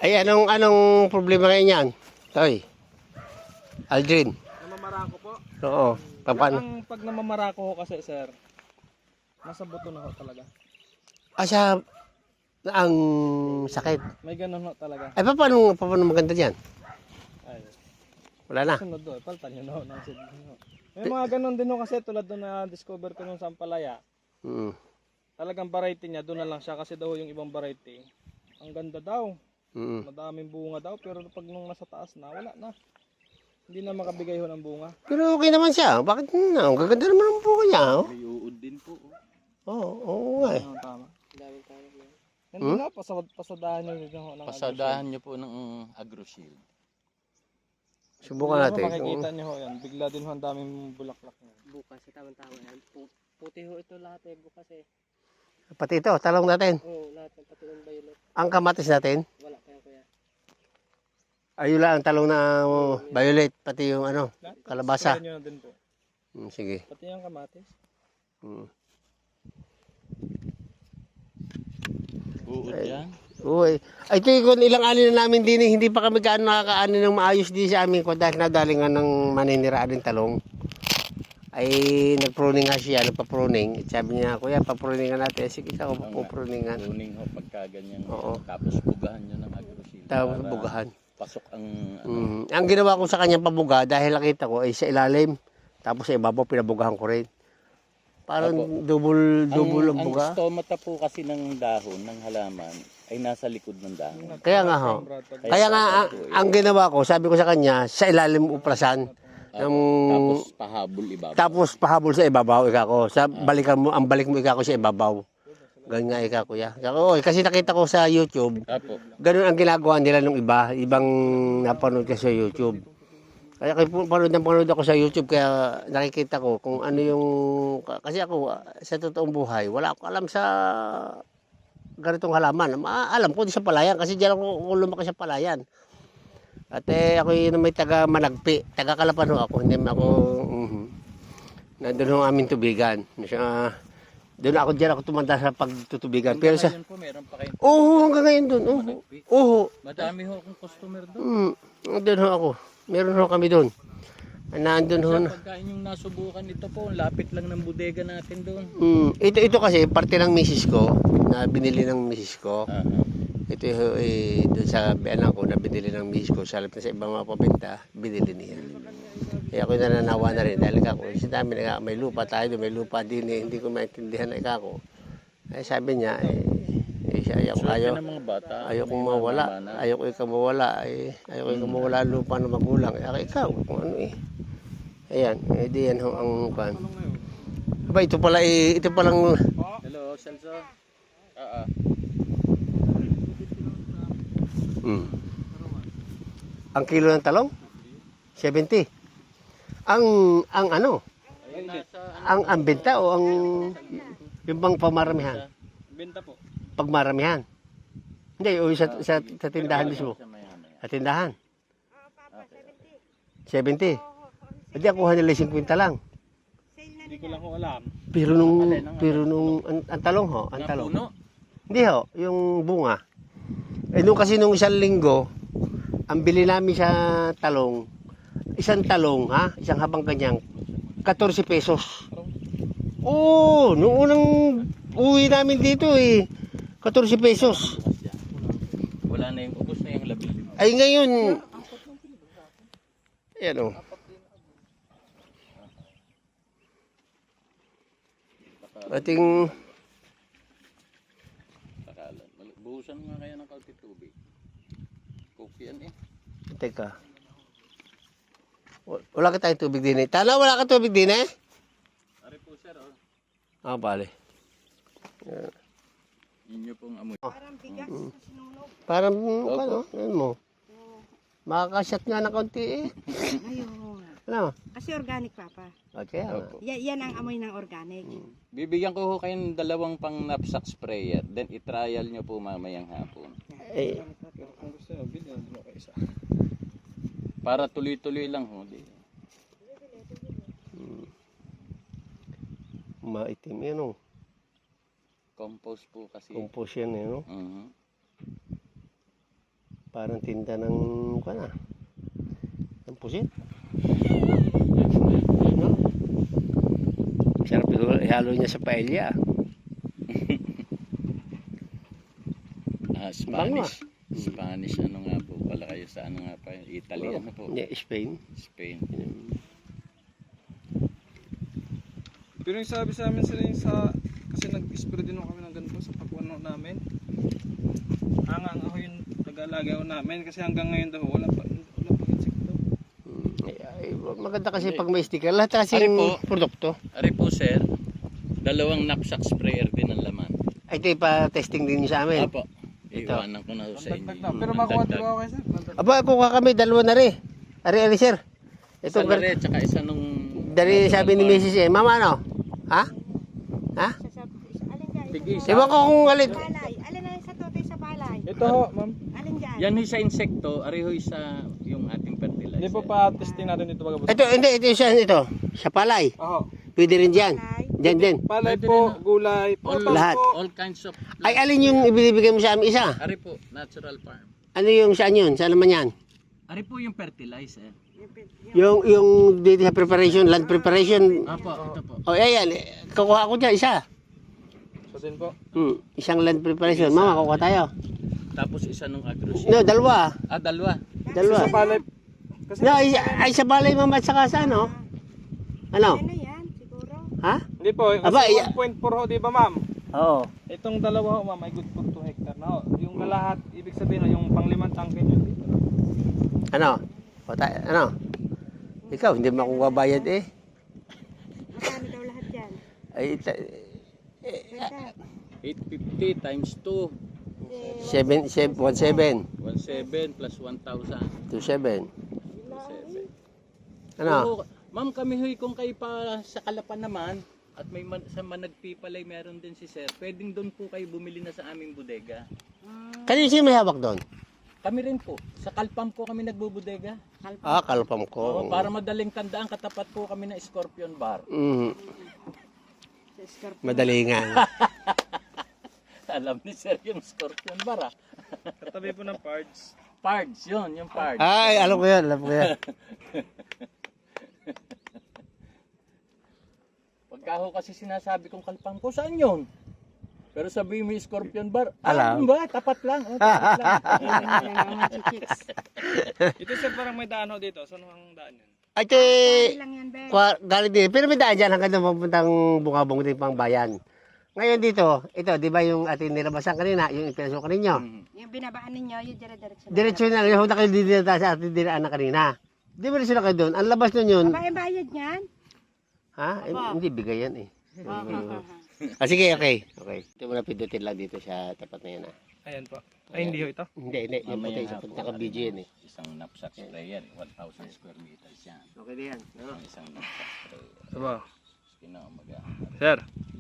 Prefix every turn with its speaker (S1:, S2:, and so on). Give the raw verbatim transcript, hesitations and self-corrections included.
S1: Ay, anong, anong problema ngayon yan? Toy. Aldrin.
S2: Namamarako po.
S1: Oo. Paano?
S2: Ang pag namamarako ho kasi sir, nasa buto na ho talaga.
S1: Asa ang sakit.
S2: May ganun ho talaga.
S1: Ay, paano, paano maganda dyan?
S2: Ay,
S1: Wala na.
S2: sunod doon, paltan nyo na ho ng seed nyo. May mga ganun din ho kasi tulad doon na discover ko nung sa Ampalaya.
S1: Mm.
S2: Talagang variety niya, doon na lang siya kasi daw yung ibang variety. Ang ganda daw.
S1: Mm.
S2: Madaming bunga daw pero pag nung nasa taas na, wala na. Hindi na makabigay ho ng bunga.
S1: Pero okay naman siya. Bakit na? Ang gaganda naman ang buka niya. Oh.
S3: May uod din po. Oh.
S1: Oo, oo nga eh.
S2: Ano tama? Daming tayo.
S1: Hmm?
S2: Hindi na, pasad, pasadahan nyo din ho ng
S3: Pasadahan niyo po ng AgroShield.
S1: Subukan natin.
S2: Makikita nyo ho yan. Bigla din ho ang daming bulaklak niya.
S4: Bukas, tamang-tama yan. Pu- Puti ho ito lahat eh, bukas eh.
S1: Pati ito, talong natin.
S4: Oo, lahat ng pati ng violet.
S1: Ang kamatis natin.
S4: Wala pa yan kuya.
S1: Ayun lang ang talong na oh, violet. Pati yung ano, kalabasa.
S2: Kaya nyo na din po.
S1: Mm, sige.
S2: Pati yung kamatis.
S1: Mm.
S3: Uod yan.
S1: Uy. Ay, ito yung ilang ani na namin din eh. Hindi pa kami gaano nakakaani ng maayos din sa amin ko dahil nadalingan ng maniniraan ng talong. Ay, nag-pruning nga siya, nagpa-pruning. Sabi niya, kuya, pa-pruningan natin. Sige, ako pa-pruningan.
S3: Pruning ho pagka ganyan.
S1: Oo.
S3: Tapos bugahan nyo ng AgroShield.
S1: Tapos
S3: para
S1: bugahan.
S3: Pasok ang ano.
S1: Mm. Ang ginawa ko sa kanyang pabuga dahil nakita ko ay sa ilalim. Tapos sa ibabaw, pinabugahan ko rin. Parang
S3: Opo.
S1: double, double ang
S3: ang,
S1: buga.
S3: ang stomata po kasi ng dahon, ng halaman, ay nasa likod ng dahon.
S1: Kaya nga ho. Kaya nga, ang, ang ginawa ko, sabi ko sa kanya, sa ilalim uprasan.
S3: Opo.
S1: Ang-
S3: Tapos pahabol ibabaw.
S1: Tapos pahabol sa ibabaw, ika ko. Sa balikan mo, ang balik mo ika ko sa ibabaw. Ganyan nga ika ko ya. Ika ko, oy, kasi nakita ko sa YouTube,
S3: Apo.
S1: ganun ang ginagawa nila nung iba, ibang napanood ko sa YouTube. Kaya kaya panood ng panood ako sa YouTube, kaya nakikita ko kung ano yung, kasi ako, sa totoong buhay, wala ako alam sa ganitong halaman. Ma- Alam ko di sa palayan, kasi diyan ako ako lumaki sa palayan. At eh, ako yun may taga Managpi, taga Kalapan ho ako, hindi ako, mhm. Nandun ho ang aming tubigan. Uh, doon ako diyan ako tumanda sa pagtutubigan. Pero sa,
S3: Hanggang ngayon po, meron pa kayo.
S1: oo, hanggang ngayon doon, oo. Oo.
S3: Madami ho akong customer doon.
S1: Mm, doon ho ako. Meron ho kami doon. Nandun ho na.
S3: Sa pagkain yung nasubukan ito po, ang lapit lang ng bodega natin doon.
S1: Mm, ito, ito kasi, parte ng misis ko, na binili ng misis ko.
S3: Aha.
S1: Ito eh, doon sa biyanan ko na binili ng misis ko. Sa halip na sa ibang mga pabinta, binili niya. Kaya ako nananawa na rin. Dahil ako, si dami na may lupa tayo, may lupa din eh. Hindi ko maintindihan na ikako. Ay sabi niya, eh, eh siya, ayaw,
S3: Swerte
S1: ayaw,
S3: ng mga bata.
S1: ayaw kong
S3: may
S1: mawala.
S3: mamana.
S1: Ayaw ko ikaw mawala. Eh, ayaw ko ikaw mawala ang lupa ng magulang. Ayaw ikaw, kung ano eh. Ayan, eh di yan ho ang pan. Aba, ito pala eh, ito palang,
S3: Hello, Celso. Ah, ah.
S1: mm. Ang kilo ng talong? seventy. Ang, ang ano?
S3: Ayun, nasa
S1: Ang, ang benta o ang, yung bang pamaramihan?
S2: Benta po.
S1: Pagmaramihan. Hindi, o sa, sa, sa tindahan mismo.
S3: sa maya-maya.
S1: Sa tindahan.
S3: Okay.
S1: seventy. Hindi, ako nila fifty lang.
S2: Hindi ko lang ho alam.
S1: Pero nung, pero nung, ang, ang talong ho, ang
S3: Ang
S1: talong.
S3: puno.
S1: Hindi ho, yung bunga. Eh nung kasi nung isang linggo, ang bili namin sa talong, isang talong ha, isang habang kanyang, fourteen pesos. Oo, nung unang uwi namin dito eh, fourteen pesos.
S3: Wala na yung ubos na yung labi.
S1: Ay ngayon, ayan o. Ating,
S3: Pakalan. Buhusan nga kaya ng kaunti tubig. Cookie yan eh.
S1: teka. Wala ka tayong tubig din eh. Tala, wala ka tubig din eh?
S3: Ari po sir, oh.
S1: Ah, bale.
S3: Inyo pong amoy.
S1: Parang, ano, ano mo? Makakasyat nga na kaunti eh.
S5: Ayun.
S1: Ano?
S5: Kasi organic, Papa.
S1: Okay. ah.
S3: Opo.
S5: Ya- yan ang amoy ng organic.
S3: Bibigyan ko ho kayo ng dalawang pang knapsack sprayer. Then i-trial nyo po mamayang hapon.
S1: Eh,
S2: Pero kung gusto nyo, bilhin mo kayo isa.
S3: Para tuloy-tuloy lang ho. Di.
S1: maitim yan o.
S3: Compost po kasi.
S1: Compost yan eh, no?
S3: Mhm.
S1: Parang tinta ng, ano, ng pusit. No? Sarap ihalo ihalo niya sa paella.
S3: Ah,
S1: Bango,
S3: Spanish. Spanish ano nga po pala kayo sa ano nga pa? Italy ano po?
S1: Hindi, Spain.
S3: Spain.
S2: Pero yung sabi sa amin sila yung sa, kasi nag-spray din kami ng ganito sa pakuano namin. Angang ako yung nag-alaga ko namin kasi hanggang ngayon daw wala pa, wala pa insekto.
S1: Mm, ay, ay, maganda kasi pag may sticker. Lahat kasi
S3: Ari po.
S1: produkto.
S3: Ari po sir, dalawang knapsack sprayer din ang laman.
S1: Ay, ito pa-testing din sa amin.
S3: Apo. Iwanan ko na sa
S2: Dagdag
S3: inyo.
S2: na. Pero makuha di ba ako kayo sir? Dagdag.
S1: Aba, kuha kami, dalawa na rin. Ari, ari, sir.
S3: Ito
S1: Ito,
S3: na rin, tsaka isa nung...
S1: dari sabi ni Missus eh, Mama, ano? Ha? Ha?
S5: Sa, sa, alin dyan?
S3: Tig-isa.
S1: Ewan ko kung alin.
S5: Palay. Alin na sa totoy sa palay?
S2: Ito ho, ma'am.
S5: Alin dyan?
S3: Yan yung sa insekto, arihoy sa yung ating fertilizer.
S2: Hindi po pa testing natin dito bagabos.
S1: Ito, hindi, ito yung sa ito. Sa palay.
S2: Ako.
S1: Pwede rin dyan.
S5: Palay.
S1: Dyan din.
S2: Palay
S3: Pwede
S2: po,
S3: rin,
S2: gulay,
S3: All,
S2: prutas
S1: Lahat.
S2: po.
S3: all kinds of...
S1: Ay, alin yung ibibigay mo sa amin isa?
S3: Ari po, natural farm.
S1: Ano yung saan yun? Saan naman yan?
S3: Ari po yung fertilizer.
S1: Yung, yung dito sa preparation, land preparation.
S3: Apo, ito po.
S1: O, ayan. Kukuha ko dyan, isa.
S2: So din po.
S1: Hmm, isang land preparation. Mama, kukuha tayo.
S3: Tapos isa nung agroseed.
S1: No, dalawa.
S3: Ah, dalawa.
S1: Dalawa.
S2: Sa palay. Kasi
S1: No, ay, ay sa balay mama at saka sa ano? Ano?
S5: Ano yan? Siguro?
S1: Ha?
S2: hindi po, kasi
S1: Aba, iya-
S2: one point four ho, di ba ma'am?
S1: Oo.
S2: Itong dalawa ho ma'am, may good for two hectare na ho. Yung kalahat, ibig sabihin ho, yung panglimang tangke nyo dito.
S1: Ano? O, ta- ano? Ikaw, hindi mo ako babayad eh.
S5: Magkano daw lahat yan?
S1: Ay, ta-
S5: Ganda.
S3: eight fifty times two.
S1: seven, seven, one seven,
S3: one seven plus one thousand.
S1: two seven.
S3: seven.
S1: Ano?
S3: Oo, ma'am, kami huy kung kayo pa sa Kalapan naman at may man, sa Managpipalay meron din si sir. Pwedeng doon po kayo bumili na sa aming bodega.
S1: Kanino sino may hawak doon?
S3: Kami rin po. Sa Kalpam po kami nagbubodega.
S1: Ah, kalpam
S3: Oo,
S1: ko.
S3: para madaling tandaan, katapat po kami ng Scorpion Bar.
S1: Mm,
S5: Sa Scorpio.
S1: madalingan.
S3: Alam ni sir yung Scorpion Bar ah.
S2: Katabi po ng parts.
S3: Pards, yun, yung Pards.
S1: Ay, alam ko yan, alam ko yan.
S3: Pagka ho kasi sinasabi kong Kalpam ko, saan yun? Pero sabi mo yung Scorpion Bar,
S1: Alam.
S3: ah, ba? Tapat lang. Oh, tapat lang.
S5: Mga chichiks.
S2: Ito sir, parang may daan ho dito. Saan ho ang daan yan?
S1: Ay, ito eh,
S5: Dali lang yan, Ben.
S1: kwa- galing din. Pero may daan dyan hanggang doon papuntang bungabong din pang bayan. Ngayon dito, ito, di ba yung ating nilabasan kanina, yung ipinasok ko ninyo?
S3: Mhm.
S5: Yung binabaan ninyo, yung dire-diretso.
S1: Diretso na, yung na kayo dinita sa ating dinaan na kanina. Di ba rin sila kayo doon? Ang labas nun yun,
S5: Aba, yung bayad niyan?
S1: ha? Eh,
S5: Aba.
S1: hindi, bigay yan eh.
S5: Ah, ah, ah, ah.
S1: Ah, sige, okay. Okay. Ito mo na pindutin lang dito sa tapat na yan ah.
S2: Ayan po. Ay, hindi ho ito.
S1: Hindi, hindi. Yung
S3: Mamaya
S1: puti, sa
S3: hapon,
S1: naka-video yan eh.
S3: Isang knapsack sprayer, one thousand square meters yan.
S1: Okay na yan.
S3: Ang isang knapsack sprayer.
S2: Aba.
S3: Kinaumaga.
S2: Sir,